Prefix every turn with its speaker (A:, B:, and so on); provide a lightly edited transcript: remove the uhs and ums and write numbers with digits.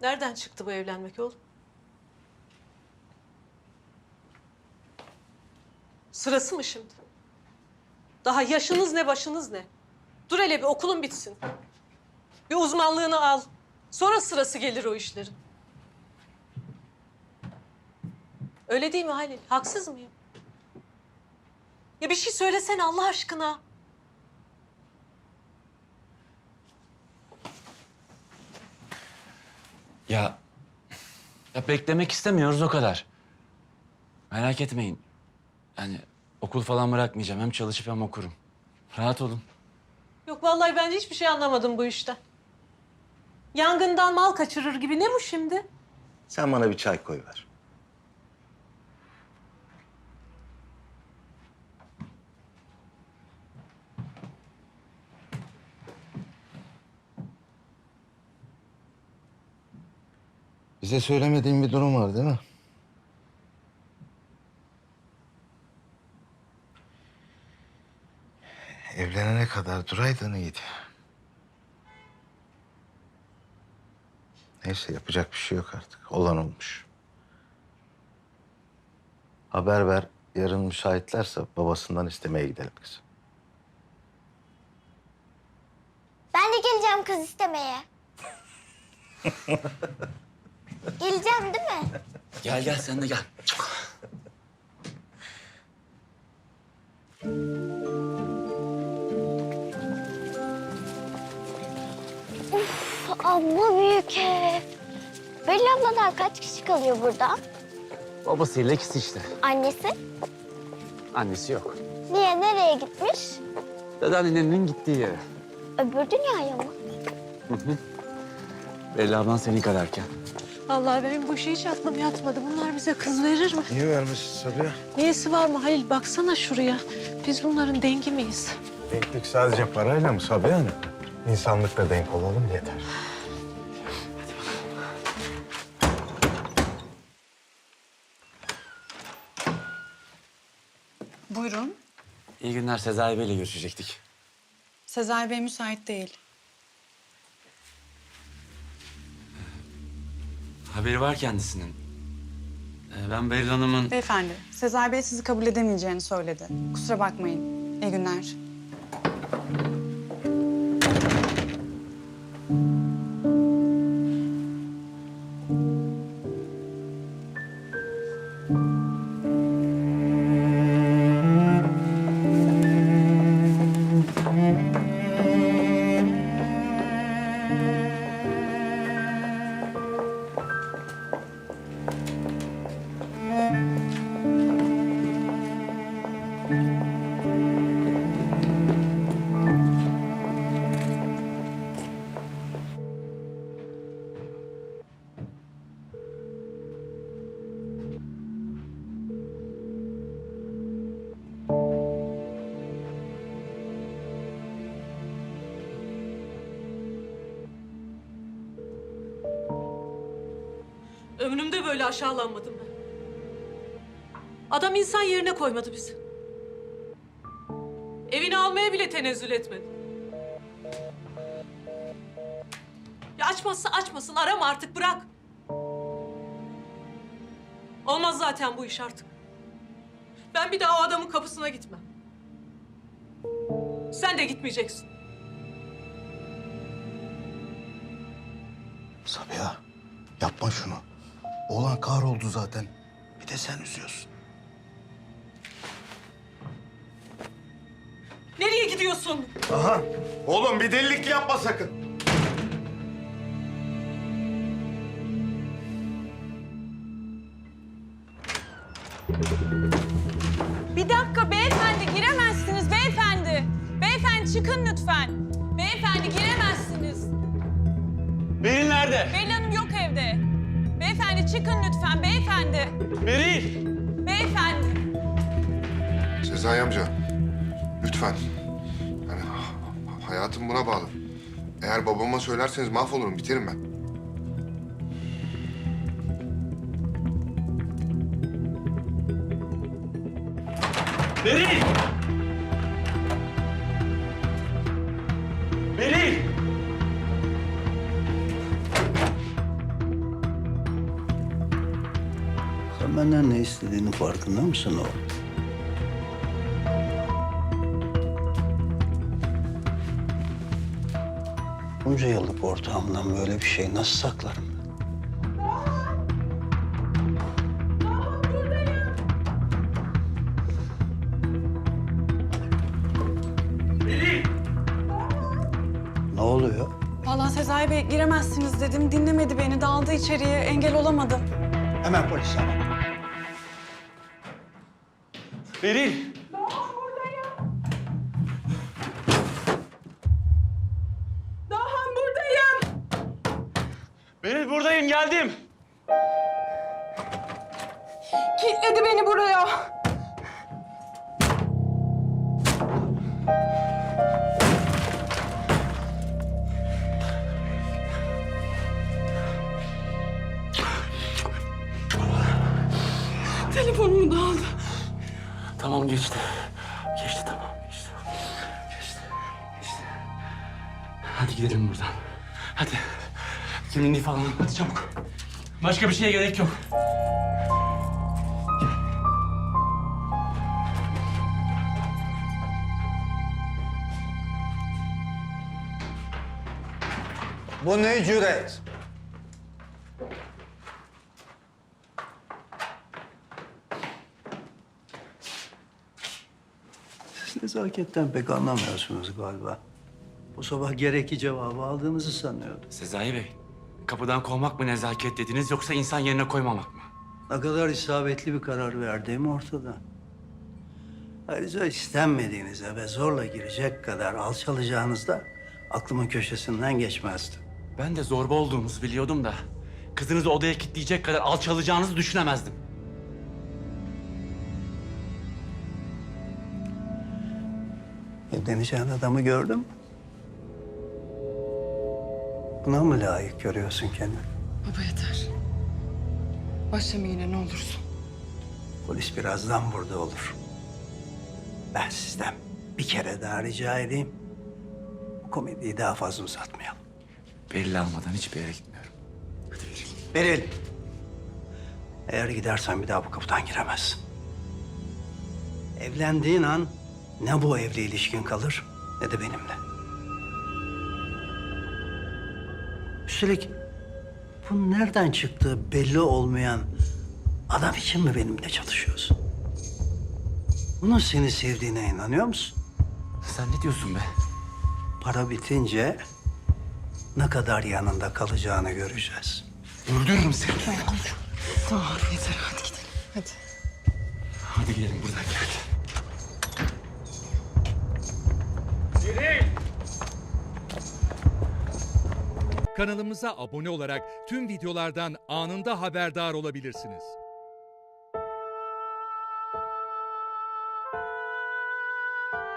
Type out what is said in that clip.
A: Nereden çıktı bu evlenmek oğlum? Sırası mı şimdi? Daha yaşınız ne, başınız ne? Dur hele bir okulun bitsin. Bir uzmanlığını al. Sonra sırası gelir o işlerin. Öyle değil mi Halil? Haksız mıyım? Ya bir şey söylesene Allah aşkına.
B: Ya beklemek istemiyoruz o kadar. Merak etmeyin. Yani okul falan bırakmayacağım. Hem çalışıp hem okurum. Rahat olun.
A: Yok vallahi ben hiçbir şey anlamadım bu işten. Yangından mal kaçırır gibi. Ne bu şimdi?
C: Sen bana bir çay koy ver. Bize söylemediğin bir durum var değil mi? Evlenene kadar duraydın iyiydi. Neyse yapacak bir şey yok artık. Olan olmuş. Haber ver. Yarın müsaitlerse babasından istemeye gidelim kızım.
D: Ben de geleceğim kız istemeye. Geleceğim değil mi?
B: Gel sen de gel.
D: Amma büyük ev. Belli abladan kaç kişi kalıyor burada?
B: Babasıyla ikisi işte.
D: Annesi?
B: Annesi yok.
D: Niye, nereye gitmiş?
B: Dedeannenin gittiği yere.
D: Öbür dünyaya mı?
B: Belli ablan senin kadarken.
A: Vallahi benim bu işe hiç aklım yatmadı. Bunlar bize kız verir mi?
C: Niye vermişsin Sabiha?
A: Niyesi var mı Halil? Baksana şuraya. Biz bunların dengi miyiz?
E: Denklik sadece parayla mı Sabiha Hanım? İnsanlıkla denk olalım yeter.
F: Buyurun.
B: İyi günler. Sezai Bey'le görüşecektik.
F: Sezai Bey müsait değil.
B: Haberi var kendisinin. Ben Beril Hanım'ın...
F: Beyefendi, Sezai Bey sizi kabul edemeyeceğini söyledi. Kusura bakmayın. İyi günler.
A: Ömrümde böyle aşağılanmadım ben. Adam insan yerine koymadı bizi. Evini almaya bile tenezzül etmedi. Ya açmazsa açmasın, arama artık, bırak. Olmaz zaten bu iş artık. Ben bir daha o adamın kapısına gitmem. Sen de gitmeyeceksin.
C: Sabiha yapma şunu. Oğlan kahroldu zaten. Bir de sen üzüyorsun.
A: Nereye gidiyorsun?
E: Aha. Oğlum bir delilik yapma sakın.
G: Bir dakika beyefendi, giremezsiniz beyefendi. Beyefendi çıkın lütfen. Beyefendi giremezsiniz.
B: Beril nerede?
G: Beril Hanım yok evde. Beyefendi çıkın lütfen beyefendi.
B: Beril!
G: Beyefendi.
H: Sezai amca, lütfen. Yani hayatım buna bağlı. Eğer babama söylerseniz mahvolurum, biterim ben.
B: Beril! Beril!
C: istediğinin farkında mısın oğlum? Bunca yıllık ortağımdan böyle bir şey nasıl saklarım? Ne oluyor?
F: Vallahi Sezai Bey giremezsiniz dedim. Dinlemedi beni. Daldı içeriye. Engel olamadım.
C: Hemen polis ara.
B: Beril!
G: Dahan buradayım.
B: Beril buradayım, geldim.
G: Kilitledi beni buraya. Telefonumu da aldı.
B: Tamam geçti. Geçti tamam geçti. Geçti. Geçti. Hadi gidelim buradan. Hadi. Kimliğini falan hadi çabuk. Başka bir şeye gerek yok.
C: Bu ne cüret? Siz nezaketten pek anlamıyorsunuz galiba. Bu sabah gereki cevabı aldığınızı sanıyordum.
B: Sezai Bey, kapıdan kovmak mı nezaket dediniz yoksa insan yerine koymamak mı?
C: Ne kadar isabetli bir karar verdiğim ortada. Ayrıca istenmediğinize ve zorla girecek kadar alçalacağınız da aklımın köşesinden geçmezdi.
B: Ben de zorba olduğunuzu biliyordum da kızınızı odaya kilitleyecek kadar alçalacağınızı düşünemezdim.
C: Evleneceğin adamı gördün mü? Buna mı layık görüyorsun kendini?
F: Baba yeter. Başlama yine ne olursun.
C: Polis birazdan burada olur. Ben sizden bir kere daha rica edeyim. Bu komediyi daha fazla uzatmayalım.
B: Beril almadan hiçbir yere gitmiyorum. Hadi Beril.
C: Beril. Eğer gidersen bir daha bu kapıdan giremezsin. Evlendiğin an ne bu evli ilişkin kalır ne de benimle. Üstelik bu nereden çıktığı belli olmayan adam için mi benimle çalışıyorsun? Bunun seni sevdiğine inanıyor musun?
B: Sen ne diyorsun be?
C: Para bitince ne kadar yanında kalacağını göreceğiz.
B: Öldürürüm seni.
F: Tamam yeter hadi gidelim. Hadi.
B: Hadi gidelim buradan gel.
I: Kanalımıza abone olarak tüm videolardan anında haberdar olabilirsiniz.